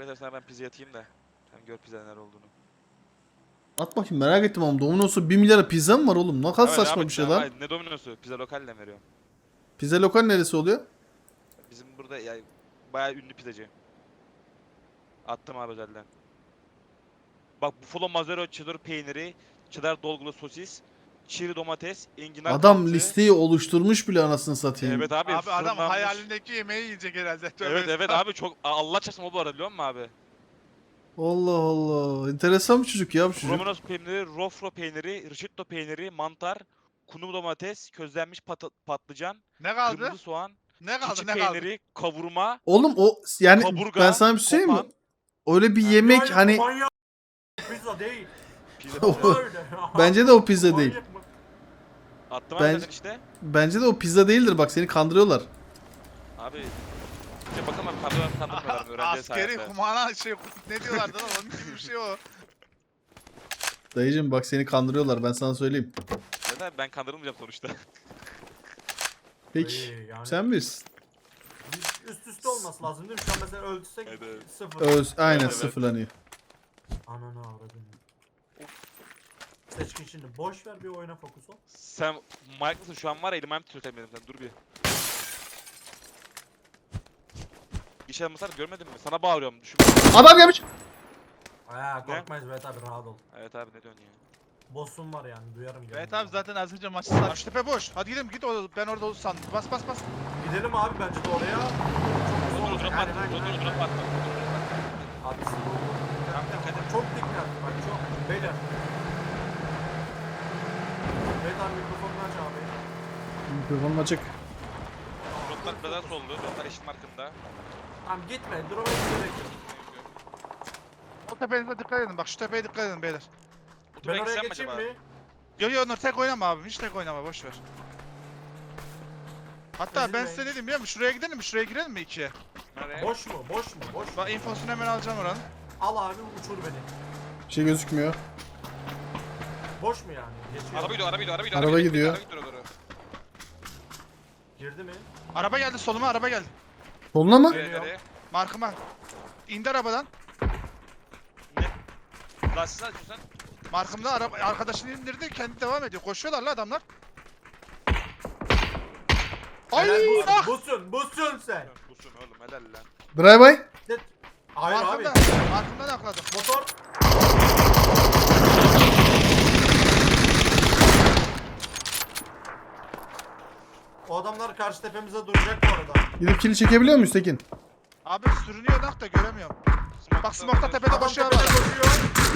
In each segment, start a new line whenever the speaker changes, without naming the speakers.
Mesela sana ben pizza atayım da. Sen gör pizza neler olduğunu.
At bakayım, merak ettim ama Domino's'u 1 milyara pizza mı var oğlum? Ne kadar
Ama
saçma
devam
bir
et,
şey
devam
lan.
et. Ne Domino'su? Pizza lokalle veriyorum.
Pizza lokal neresi oluyor?
Bizim burada ya bayağı ünlü pizzacı. Attım abi özelden. Bak buffalo mazzarella cheddar peyniri, cheddar dolgulu sosis, çeri domates, enginar
Adam
kanatı.
listeyi oluşturmuş bile anasını satayım.
Evet abi
Abi adam
fırınlanmış.
hayalindeki yemeği yiyecek herhalde. Tövbe
Evet evet
estağfurullah.
abi çok Allah çarpsın o bu arada biliyor musun abi?
Allah Allah. Enteresan bir çocuk ya bu çocuk.
Romanos peyniri, rofro peyniri, risotto peyniri, mantar, kunu domates, közlenmiş patlıcan,
Ne kaldı?
kırmızı soğan,
Ne kaldı?
keçi
Ne kaldı?
peyniri, kavurma,
Oğlum o yani ben
kaburga,
sana bir şey söyleyeyim mi?
kopan.
Öyle bir
Ha.
yemek
Hayır,
hani
manyak pizza değil.
Pizza
O-
pizza.
Öyle.
bence de o pizza değil.
Manyak mı?
Attım
Ben-
abi zaten işte.
Bence de o pizza değildir, bak seni kandırıyorlar.
Abi işte bakın abi kandırmıyorlar öğrenci
Askeri
sayesinde.
kumana şey ne diyorlardı lan onun gibi bir şey o.
Dayıcım bak seni kandırıyorlar, ben sana söyleyeyim.
Zaten ben kandırılmayacağım sonuçta.
Peki
İyi, yani.
sen bilirsin.
Biz üst üste olması lazım değil mi? Şu an mesela ölçsek
Evet.
0.
Aynen
Evet.
sıfırlanıyor.
Ananı avradım. Seçkin şimdi boş ver bir oyuna fokus ol.
Sen Mike mısın şu an var ya elim ayağım titretemedim sen dur bir. İş almasar görmedin mi? Sana bağırıyorum düşün.
Adam gelmiş.
Korkmayız Berat abi rahat ol.
Evet abi ne diyorsun ya?
Boss'um var yani duyarım.
Evet
geldiğinde.
abi zaten az önce maçı sardı. Şu tepe boş. Hadi gidelim git ben orada olur sandım. Bas bas bas.
Gidelim abi bence de oraya.
Dur drop attım. Dur drop attım.
Abi
Tamam dikkat et.
çok dikkat bak çok. Beyler. Berat abi mikrofonunu aç abi.
Mikrofonum açık.
Droplar biraz soldu. Droplar eşit markında.
Tamam gitme. Duruma gerek yok.
O tepenize dikkat edin. Bak şu tepeye dikkat edin beyler.
Bu
Ben
tüfek
oraya
sen mi
geçeyim
acaba?
mi?
Yo yo Onur tek oynama abi. Hiç tek oynama boş ver. Hatta ben
Ezilmeyin.
size dedim biliyor musun? Şuraya gidelim mi? Şuraya girelim mi ikiye?
Nereye?
Boş mu? Boş mu? Boş mu?
Bak infosunu hemen alacağım oranın.
Al abi uçur beni.
Bir şey gözükmüyor.
Boş mu yani? Geçiyor.
Araba gidiyor.
Araba gidiyor.
Araba gidiyor doğru.
Girdi mi?
Araba geldi soluma araba geldi.
Soluna mı?
Nereye?
Markıma. İndi arabadan.
Ne? Lastiğini açıyorsan.
Markımda araba arkadaşını indirdi kendi devam ediyor. Koşuyorlar la adamlar. Ay
Helal
ah!
busun sen.
Busun oğlum helal lan.
Bray bay.
Hayır abi.
Markımdan akladım.
Motor. O adamlar karşı tepemize duracak bu arada.
Gidip kili çekebiliyor muyuz Tekin?
Abi sürünüyor da göremiyorum. Bak smoke'ta tepede
Adam
koşuyor
tepede
adam.
koşuyor.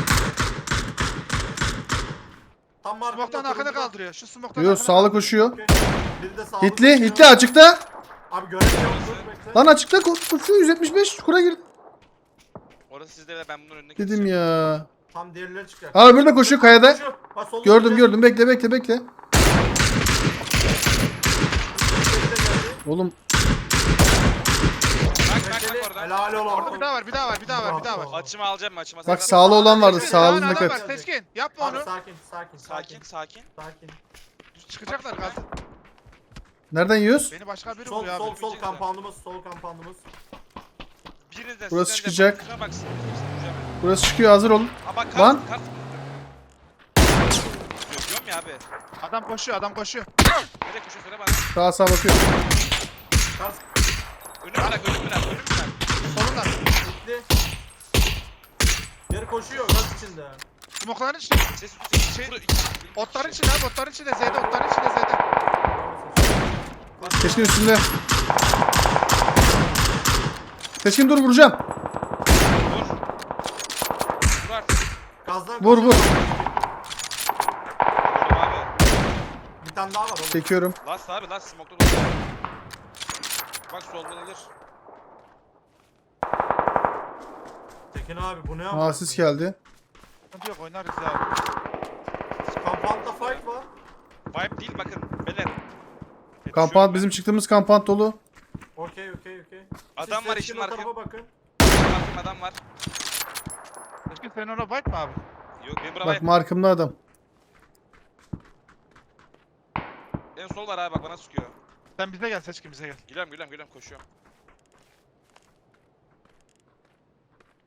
Tam markamda
Smoke'tan arkada
turuncu.
kaldırıyor. Şu smoke'tan
Yok
arkada
sağlı
kaldırıyor.
koşuyor.
Okey. Biri de sağda
Hitli,
koşuyor.
Hitli açıkta.
Abi göremiyorum. Dur bekle.
Lan açıkta koşuyor 175 çukura girdi.
Orası sizde ve ben bunun önüne
Dedim
geçeceğim.
ya.
Tam diğerleri çıkacak.
Aa öbürü de koşuyor kayada.
Koşuyor. Bak, solda
Gördüm
koşuyor.
gördüm, bekle.
Biri de geldi.
Oğlum
Bak
Bekle.
orada.
Helal ol
Orada
oğlum.
bir daha var, bir daha var, bir daha var, bir daha var.
Açımı alacağım açıma.
bak
sakın.
sağlı olan vardı,
Teskin, bir tane
sağlığına
adam
dikkat.
var, Teskin. Yapma
Abi
onu.
sakin.
Sakin sakin.
Sakin.
Çıkacaklar gaz.
Nereden yiyoruz?
Beni başka biri
Sol
vuruyor
sol
abi.
sol kampandımız. Sol kampandımız.
Birinizden
Burası
sizden de
çıkacak.
bakın, baksın.
Burası çıkıyor, hazır olun.
Aa bak
Lan.
kart. Görüyorum ya abi.
Adam koşuyor, adam koşuyor.
Nereye koşuyor söyle bana.
Sağa bakıyorum.
Kars.
Önüm bırak.
Solunda.
Gitti. Geri koşuyor. Gaz içinde.
Smokların içinde.
Ses
Şey, Otların içinde abi, otların içinde Z'de, otların içinde Z'de.
Teşkin üstünde. Teşkin dur, vuracağım.
Vur. Vur artık.
Gazdan
Vur vur.
Vur abi.
Bir tane daha var oğlum.
Çekiyorum.
Last abi last smoke'da dolu. Bak solda gelir.
Tekin abi bu ne yaptı?
Asis geldi.
Sıkıntı yok, oynarız ya abi.
Kampanda fight var.
Vibe değil bakın. Beyler.
Kampant, bizim çıktığımız kampant dolu.
Okey.
Adam
Siz
var
seçkin
işin
o
markı.
tarafa bakın.
Bakın adam var.
Teskin senin ona bak mı abi?
Yok benim buraya
Bak
vibe.
markımda adam.
En sol var abi bak bana sıkıyor.
Sen bize gel, Seçkin bize gel.
Gülüyorum koşuyorum.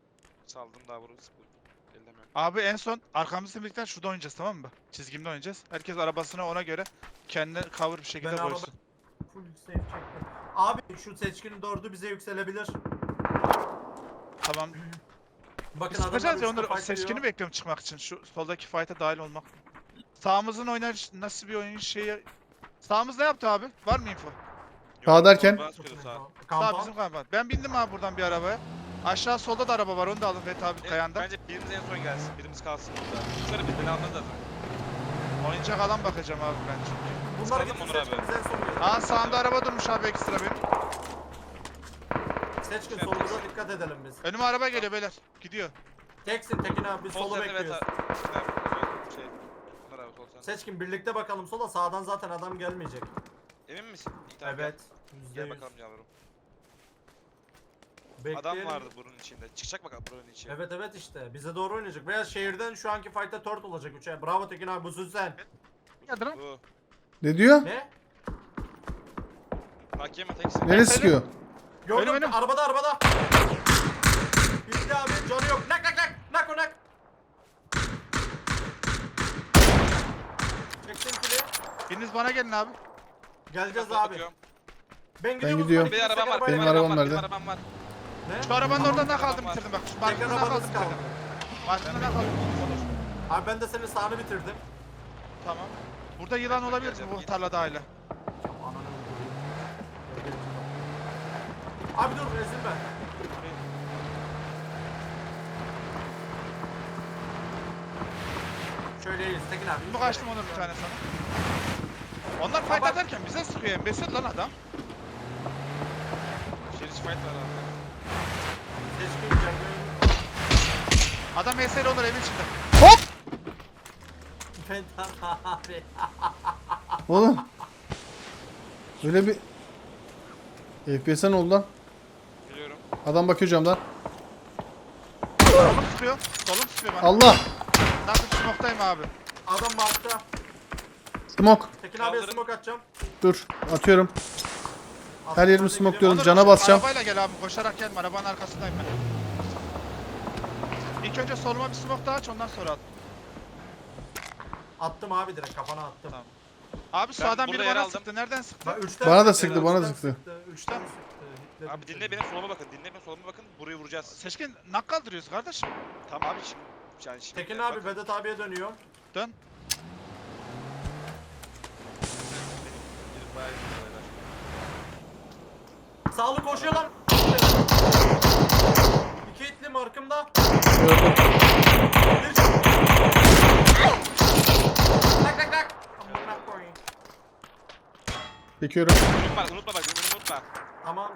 Saldım daha vururuz. Ellemiyorum.
Abi en son arkamızda birlikte şurada oynayacağız, tamam mı? Çizgimde oynayacağız. Herkes arabasına ona göre kendine cover bir şekilde
Ben araba-
koysun.
Full save çektim. Abi şu seçkinin 4'ü bize yükselebilir.
Tamam.
Bakın
Biz çıkacağız ya
üçte
onları
fight
seçkini
ediyor.
bekliyorum çıkmak için. Şu soldaki fight'a dahil olmak. Sağımızın oynar nasıl bir oyun şeyi. Sağımız ne yaptı abi? Var mı info?
Sağ derken?
Bana
Çok
sıkıyordu
iyi.
sağ.
Sağ
Kampan.
bizim kampan. Ben bindim abi buradan bir arabaya. Aşağı solda da araba var, onu da alın Fethi abi kayanda.
Bence birimiz en son gelsin. Birimiz kalsın burada. Şöyle bir beni almanız lazım.
Oyuncak alan bakacağım abi ben çünkü.
Bunlar
Sıkalım
gitsin
Onur abi.
seçkin biz en son gelelim.
Aa sağımda araba durmuş abi ekstra benim.
Seçkin
Şey
solumuza
yapacağız.
dikkat edelim biz.
Önüme araba geliyor beyler. Gidiyor.
Teksin Tekin abi biz
Sol
solu
sende evet
bekliyoruz.
abi. Şey. Bunlar abi sol sende.
Seçkin birlikte bakalım sola, sağdan zaten adam gelmeyecek.
Emin misin? İyi, tamam,
Evet.
Gel
%100.
bakalım yavrum.
Bekleyelim.
Adam vardı bunun içinde. Çıkacak bakalım buranın içi.
Evet evet işte bize doğru oynayacak. Veya şehirden şu anki fight'ta 4 olacak 3'e. Bravo Tekin abi busun sen.
Hadi lan.
Bu.
Ne diyor?
Ne?
Hakem mi teksin?
Nereye sıkıyor?
Gördüm
Önüm.
arabada. Bitti abi canı yok. Nak. Nak o nak. Çektim kili.
Biriniz bana gelin abi.
Geleceğiz
Bak,
abi.
bakıyorum.
Ben gidiyorum.
gidiyorum.
Bir arabam var.
Benim
bir
arabam
var,
nerede?
Benim arabam var.
Ne?
Şu arabanın
Tamam.
oradan nak
Tamam,
aldım
var.
bitirdim bak. Şu
Tek
markasını nak aldım
arabamız kaldı.
bitirdim. Markasını nak aldım. Olur.
Abi ben de senin sağını bitirdim.
Tamam. Burada yılan olabilir mi bu tarlada hala?
Ananı öldüreyim. Abi dur ezilme. Şöyle iyiyiz Tekin abi.
Bu kaçtım onu bir tane sana. Onlar fight
Baba.
atarken bize sıkıyor embesil lan adam.
Şerif fight var abi.
Teşkil canlı.
Adam mesele olur evin içinde.
Ben abi.
Oğlum. Öyle bir... FPS'e ne oldu lan?
Biliyorum.
Adam bakıyor camdan.
Solum sıkıyor. Solum sıkıyor bana.
Allah!
Nasıl smoke'tayım abi.
Adam markta.
Smoke.
Tekin abiye
Kaldırın.
smoke atacağım.
Dur. Atıyorum. Her yerimi smokluyorum.
Onur,
Cana basacağım.
Arabayla gel abi koşarak gelme arabanın arkasındayım ben. İlk önce soluma bir smoke daha aç ondan sonra at.
Attım abi direkt kafana attım.
Tamam. Abi sağdan
burada
biri
yer
bana
aldım.
sıktı. Nereden sıktı?
Bak, üçten
Bana da
sıktı,
sıktı, bana da
üçten
sıktı.
Üçten sıktı. Hitledim
Abi dinle
seni.
benim soluma bakın. Dinle benim soluma bakın. Burayı vuracağız.
Seçkin nak kaldırıyoruz kardeşim.
Tamam abi şimdi. Yani şimdi
Tekin
bak,
abi Vedat abiye dönüyor.
Dön.
benim bayağı iyi olaylar.
Sağlı koşuyor lan. İki itli markımda.
Gördüm.
Bir can. Nak. Amına koyayım.
Çekiyorum.
Unutma bak. Önümü unutma.
Tamam.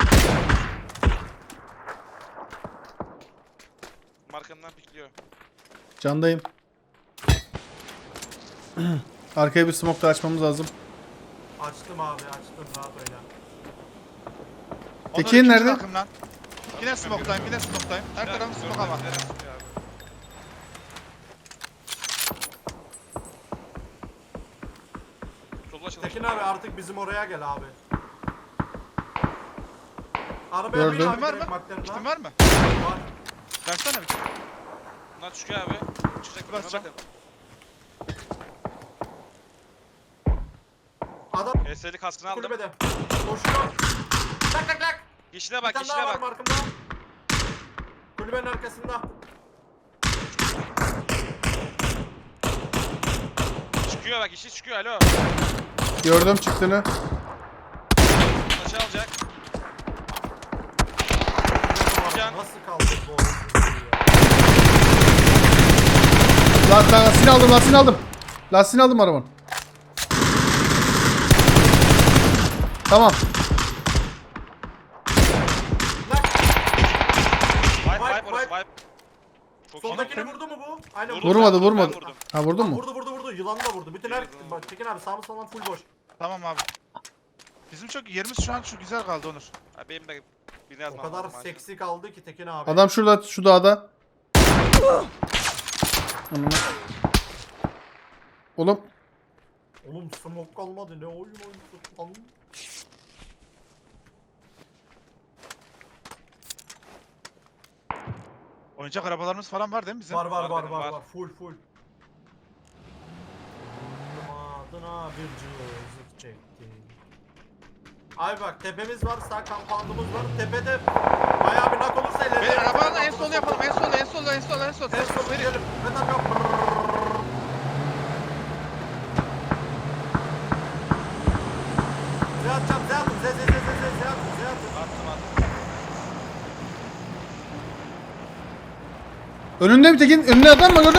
Markamdan pikliyor.
Candayım. Arkaya bir smoke da açmamız lazım.
Açtım abi açtım rahat oyna.
Onur
Tekin
ikinci
nerede?
takım lan. Yine smoke'tayım yine smoke'tayım. Her tarafım smoke ama.
Nereye sıkıyor abi? Solla çalışıyor.
Tekin abi artık bizim oraya gel abi. Arabaya
Gördüm.
bin abi
Kitin var
direkt
mı?
McLaren'a.
Kitin var mı?
Var.
Versene bir.
Bunlar çıkıyor abi. Çıkacak
Basacağım.
bakın.
Adam
HS'li kaskını aldım.
kulübede. Koşuyor. Nak.
Yeşile
Bir
bak,
tane
yeşile
daha var
bak.
markımda. Kulübenin arkasında.
Çıkıyor bak, yeşil çıkıyor. Alo.
Gördüm çıktığını.
Taşı alacak. Can.
Nasıl kaldı bu oyun?
Lastiğini aldım, lastiğini aldım. Lastiğini aldım arabanın. Tamam.
Vibe,
Vibe,
vibe orası,
vibe.
vibe. Çok iyi.
Soldakini vurdu mu bu? Aynen
Vurdu.
Vurmadı,
Ben
vurmadı.
vurdum.
Ha vurdun mu?
Vurdu. Yılanı da vurdu. Bütün her...
Vurdum.
Bak Tekin abi sağımız falan full boş.
Tamam abi. Bizim çok yerimiz şu an şu güzel kaldı Onur.
Abi benim de birini
O
yazmam
kadar
lazım acil.
seksi kaldı ki Tekin abi.
Adam şurada, şu dağda. Ananı. Oğlum.
Oğlum smoke kalmadı ne oyun oynadık lan.
Oyuncak arabalarımız falan var değil mi bizim?
Var var
Var
var
benim,
var
var.
var. Full. Adına bir cızık çekti. Abi bak tepemiz var, sağ kampandımız var. Tepede bayağı bir nak olursa ileride.
Beyler arabanın en sol yapalım. En sol.
En sol verelim. Ben de yapıyorum. Zeyatacağım, zeyatım. Zeyatım.
Attım.
Önünde bir tekin. Önünde adam mı gördüm?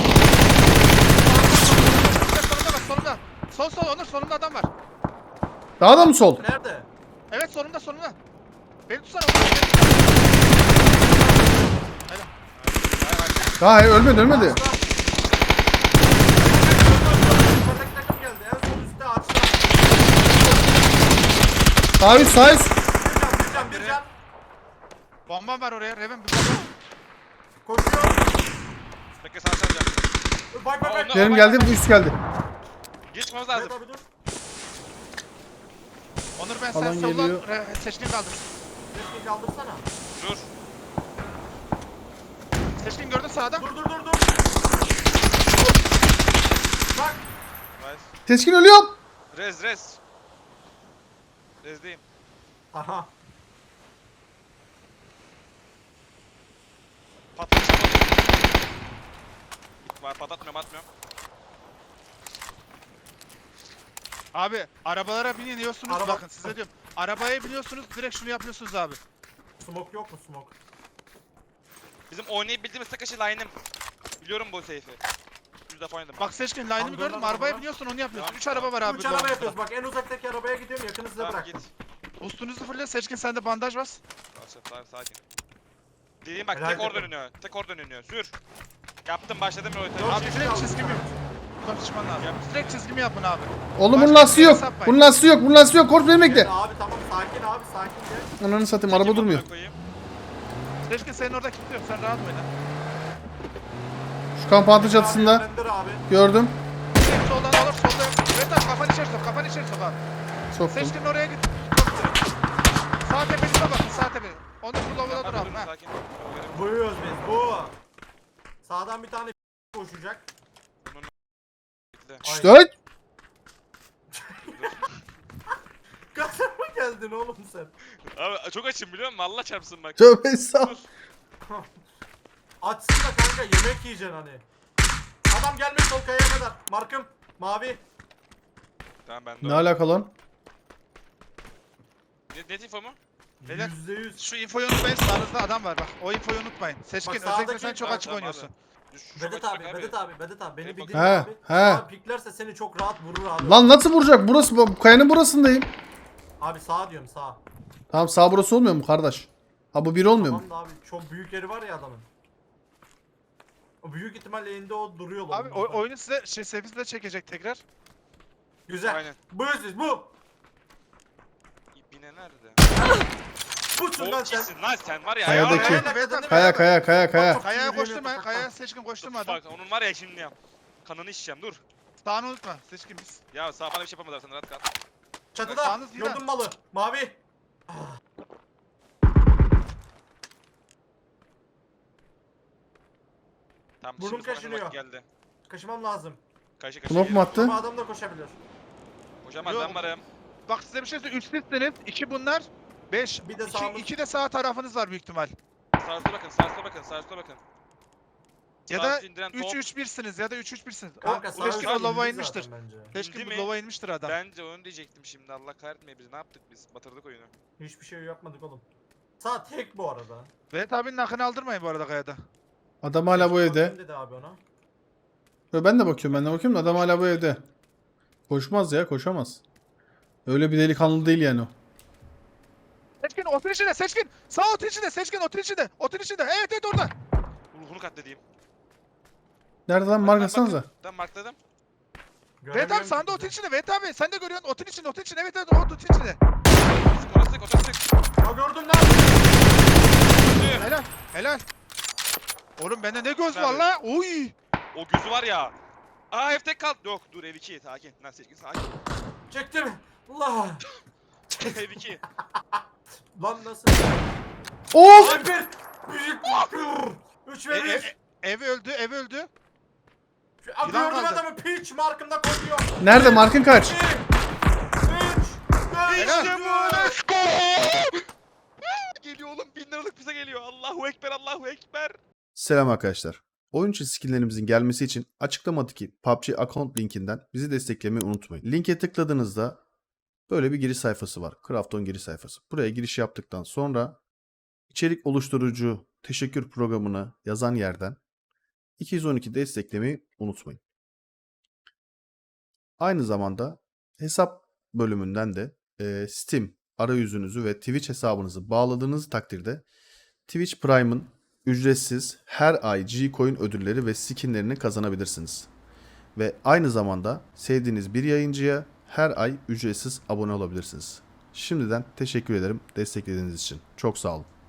Solunda bak solunda. Sol Onur solunda adam var.
Daha da mı sol?
Nerede?
Evet solunda. Beni tutsana Onur.
Daha ölmedi.
Yukarıdaki takım geldi. En sol üstte açtı.
Sağ üst.
Bir can.
Bombam var oraya. Reven bir bomba.
Koşuyor.
Bekle sana saracağım.
Bak.
Ondan-
Benim geldi, bu üst geldi.
Geçmemiz lazım.
Evet abi dur.
Onur ben
Alan
sen soldan
geliyor.
seçkin kaldır.
Resmi kaldırsana.
Dur.
Seçkin gördün sağda.
Dur. Bak.
Nice.
Seçkin ölüyor.
Rez. Rezdeyim.
Aha.
Patlatacağım. Var patlatmıyorum.
Abi arabalara biniyorsunuz
Araba-
bakın size diyorum. Arabaya biniyorsunuz direkt şunu yapıyorsunuz abi.
Smoke yok mu smoke?
Bizim oynayabildiğimiz tek aşı line'ım. Biliyorum bu seyfi. 100 defa oynadım.
Bak seçkin line'ımı
Tamam,
gördün mü?
dön lan
Arabaya
arabaya.
biniyorsun onu yapıyorsun.
Tamam,
3 araba var abi.
3 araba
doğru.
yapıyoruz bak en uzaktaki arabaya gidiyorum yakını size
Tamam
bıraktım.
git.
Ustunuzu fırla seçkin sende bandaj bas.
Sakin. Dediğim bak
Helal
tek orada
takım.
dönüyor. Tek orada dönüyor. Sür. Yaptım başladım rol.
Dört
Abi
kişi
direkt
kaldı.
çizgimi. Konuşman lazım. Direkt çizgimi yapın abi.
Oğlum bunun
Başka
lastiği
bir
yok.
hesap var.
Bunun lastiği yok. Kork beni bekle.
Gel abi tamam sakin gel.
Ananı satayım, araba durmuyor.
Seçkin senin orada kimse yok. Sen rahat oyna.
Şu kampantı çatısında
Yönlendir abi.
gördüm.
Direkt soldan alır solda. Evet abi kafanı içeri sok. Kafanı içeri sok abi.
Soktum.
Seçkin oraya git. Sağ tepenize bakın sağ tepe. Onu kullanmadan dur abi. Ha.
Sakin.
Buyuyoruz biz bu. Sağdan bir tane koşacak.
Bekle.
İşte.
Gaza mı geldin oğlum sen?
Abi çok açım biliyor musun? Allah çarpsın bak.
Tövbe estağfurullah.
Açsın da kanka yemek yiyeceksin hani. Adam gelmiş sol kayaya kadar. Markım mavi.
Tamam ben de.
Ne alaka lan?
Ne info mu?
Beyler.
%100.
Şu infoyu unutmayın sağınızda adam var bak. O infoyu unutmayın. Seçkin
Bak,
özellikle
sağdaki-
sen çok
Tamam,
açık
tamam
oynuyorsun.
abi.
Vedat abi. Beni
Beni
bildiğin
He,
abi.
he.
Abi piklerse seni çok rahat vurur abi.
Lan nasıl vuracak? Burası kayanın burasındayım.
Abi sağ diyorum sağ.
Tamam, sağ burası olmuyor mu kardeş? Ha bu bir olmuyor mu?
Tamam da abi çok büyük yeri var ya adamın. O büyük ihtimalle elinde o duruyor
Abi
lan.
oyunu size sefisi de çekecek tekrar.
Güzel.
Aynen.
Buyur siz bu.
İbine nerede?
Busun lan
O
sen.
kimsin lan sen var ya.
Kayadaki.
ya.
Kaya.
Kayaya
Yürüyelim,
koşturma.
tak,
Kayaya
tak.
seçkin koşturma adam.
Bak onun var ya şimdi ya. Kanını içeceğim dur.
Sağını unutma. Seçkin biz.
Ya sağ bana bir şey yapamazlar sen rahat kal.
Çatıda.
Sağınız yine.
Gördün malı. Mavi.
Tamam
Burnum
şimdi sonra
kaşınıyor.
vakit geldi.
Kaşımam lazım.
Kaşı
Smoke mu attı?
Ama adam da koşabilir.
Hocam
Yok.
ben varım.
Bak size bir şey söyleyeyim. 3 sizsiniz. 2 bunlar. 5.
Bir de sağımız.
2 de sağ tarafınız var büyük ihtimal.
Sağa sola bakın.
Ya
Sağa
da
indiren
3
top.
3-1'siniz ya da 3 3-1'siniz.
Kanka sağ
Seçkin
sağ
o lova
indi
inmiştir.
zaten bence.
Seçkin
İndi
bu
mi?
lova inmiştir adam.
Bence onu diyecektim şimdi Allah kahretmeye bizi ne yaptık biz batırdık oyunu.
Hiçbir şey yapmadık oğlum. Sağ tek bu arada.
Vedat abinin hakkını aldırmayın bu arada kayada.
Adam hala bu evde.
Bakayım dedi abi ona.
Yo, ben de bakıyorum da adam hala bu evde. Koşmaz ya, koşamaz. Öyle bir delikanlı değil yani o.
Seçkin otur içinde seçkin. Sağ otur içinde seçkin otur içinde. Otur içinde. Evet orada.
Ruhunu katledeyim.
Nerede lan, markasanıza.
Tamam markladım.
Vedat abi
Göremiyorum
sağında
ki
otur
bizi.
içinde. Vedat abi sen de görüyorsun otur içinde. Evet otur içinde.
Orası sık.
Ha gördüm lan.
Helal. Oğlum bende ne göz var
Nerede?
la? Oy.
O gözü var ya. Aa F tek kal. Yok dur ev 2 sakin. Lan seçkin sakin.
Çektim. Allah.
Ev 2.
Lan nasıl?
Of!
Alper. Büyük. 3 ve 1.
Ev öldü, ev öldü.
Gördüm
kaldı.
adamı piç markımda koşuyor.
Nerede? Markın kaç?
2, 3, 4,
İşte bu, let's go! Geliyor oğlum, 1000 liralık bize geliyor. Allahu Ekber, Allahu Ekber.
Selam arkadaşlar. Oyun içi skinlerimizin gelmesi için açıklamadaki PUBG account linkinden bizi desteklemeyi unutmayın. Linke tıkladığınızda böyle bir giriş sayfası var. Krafton giriş sayfası. Buraya giriş yaptıktan sonra içerik oluşturucu teşekkür programını yazan yerden 212 desteklemeyi unutmayın. Aynı zamanda hesap bölümünden de Steam arayüzünüzü ve Twitch hesabınızı bağladığınız takdirde Twitch Prime'ın ücretsiz her ay G-Coin ödülleri ve skinlerini kazanabilirsiniz. Ve aynı zamanda sevdiğiniz bir yayıncıya her ay ücretsiz abone olabilirsiniz. Şimdiden teşekkür ederim desteklediğiniz için. Çok sağ olun.